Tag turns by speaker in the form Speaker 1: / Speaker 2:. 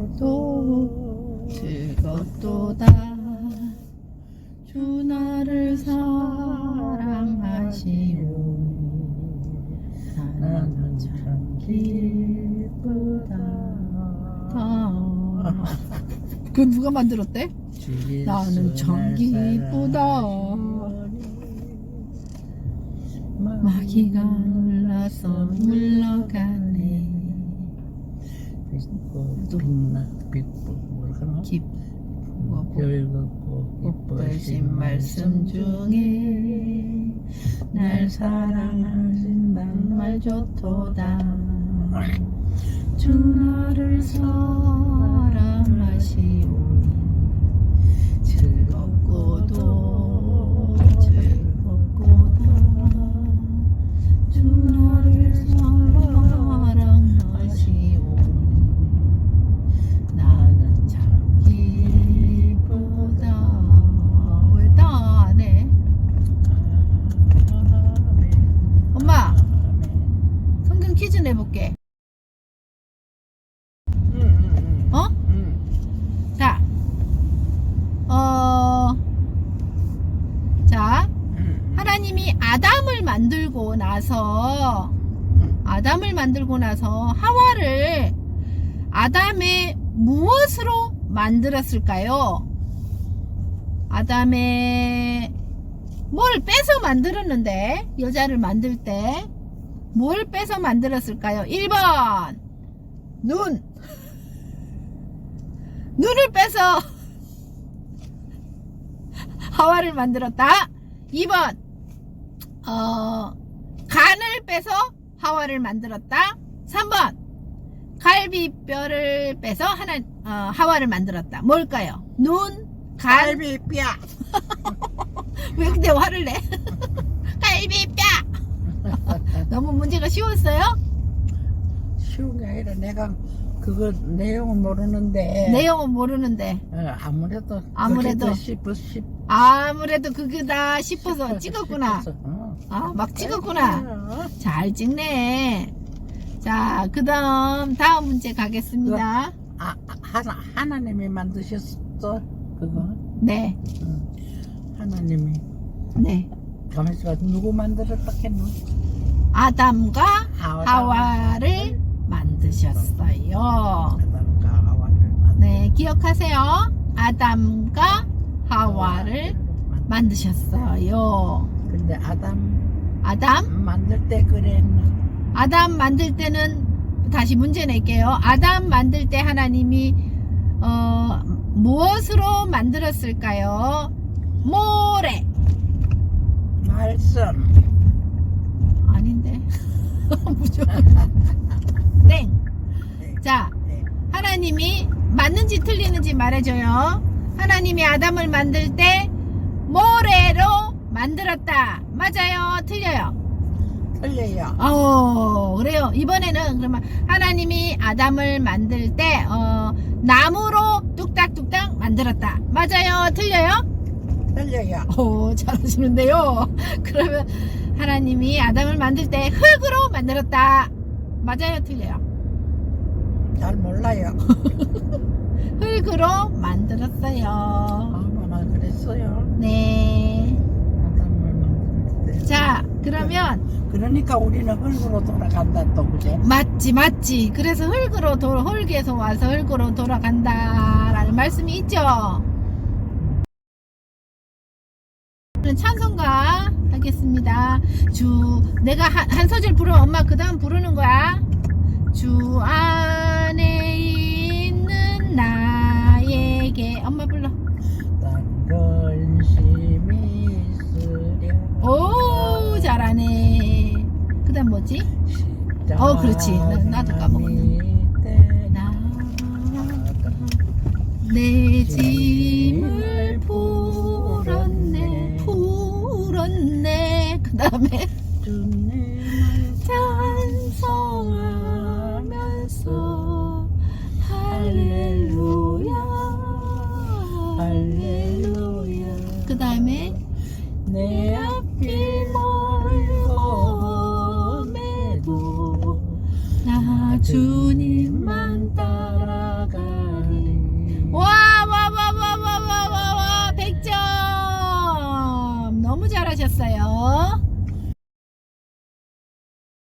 Speaker 1: 즐겁도다 즐겁도다 주 나를 사랑하시오 나는 참 기쁘다. 그건 누가 만들었대? 나는 참 기쁘다. 마귀가 놀라서 물러가네.
Speaker 2: 즐겁고 기쁘신 말씀 중에
Speaker 1: 날 사랑하신단 말 좋도다. 주 나를 사랑하시오니 즐겁고도 즐겁고다. 주 나를 사랑하시오니 나는 참 기쁘다. 왜 다 안 해? 엄마 성경 퀴즈 내볼게. 어? 자, 자, 하나님이 아담을 만들고 나서 하와를 아담의 무엇으로 만들었을까요? 아담의 뭘 빼서 만들었는데, 여자를 만들 때 뭘 빼서 만들었을까요? 1번 눈을 빼서 하와를 만들었다. 2번 간을 빼서 하와를 만들었다. 3번 갈비뼈를 빼서 하와를 만들었다. 뭘까요? 눈, 간,
Speaker 2: 갈비뼈.
Speaker 1: 왜 근데 화를 내? 갈비뼈. 너무 문제가 쉬웠어요?
Speaker 2: 쉬운 게 아니라 내가 그거 내용은 모르는데.
Speaker 1: 내용은 모르는데
Speaker 2: 아무래도
Speaker 1: 아무래도 그거다 싶어서 찍었구나. 아, 막 찍었구나. 잘 찍네. 자, 다음 문제 가겠습니다.
Speaker 2: 하나님이 만드셨어 그거?
Speaker 1: 네.
Speaker 2: 하나님이.
Speaker 1: 네.
Speaker 2: 가만있어. 누구 만들었다 했노?
Speaker 1: 아담과 하와를 만드셨어요.
Speaker 2: 아담과 하와를
Speaker 1: 네, 기억하세요. 아담과 하와를 만드셨어요.
Speaker 2: 근데 아담
Speaker 1: 아담
Speaker 2: 만들 때 그랬나?
Speaker 1: 아담 만들 때는 다시 문제 낼게요. 아담 만들 때 하나님이 무엇으로 만들었을까요? 모래.
Speaker 2: 말씀.
Speaker 1: 아닌데. 무조건. 땡. 자, 하나님이 맞는지 틀리는지 말해줘요. 하나님이 아담을 만들 때 모래로 만들었다. 맞아요? 틀려요?
Speaker 2: 틀려요.
Speaker 1: 그래요. 이번에는 그러면 하나님이 아담을 만들 때 나무로 뚝딱뚝딱 만들었다. 맞아요? 틀려요?
Speaker 2: 틀려요.
Speaker 1: 잘하시는데요. 그러면 하나님이 아담을 만들 때 흙으로 만들었다. 맞아요? 틀려요?
Speaker 2: 잘 몰라요.
Speaker 1: 흙으로 만들었어요.
Speaker 2: 아무나 그랬어요.
Speaker 1: 네.
Speaker 2: 아담을 만들 때.
Speaker 1: 자, 그러면
Speaker 2: 그러니까 우리는 흙으로 돌아간다 또 그제?
Speaker 1: 맞지. 그래서 흙에서 와서 흙으로 돌아간다라는 말씀이 있죠. 찬송가 하겠습니다. 내가 한 소절 부르면 엄마 그 다음 부르는 거야. 주 안에 있는 나에게 엄마 불러.
Speaker 2: 난 근심이 있으랴.
Speaker 1: 오, 잘하네. 그 다음 뭐지? 그렇지. 나도 까먹었네. 내 짐을 풀었네. 그 다음에 찬송하면서 할렐루야. 그 다음에
Speaker 2: 내 앞길 멀고매도
Speaker 1: 나 주님만
Speaker 2: 따라가리.
Speaker 1: 잘하셨어요.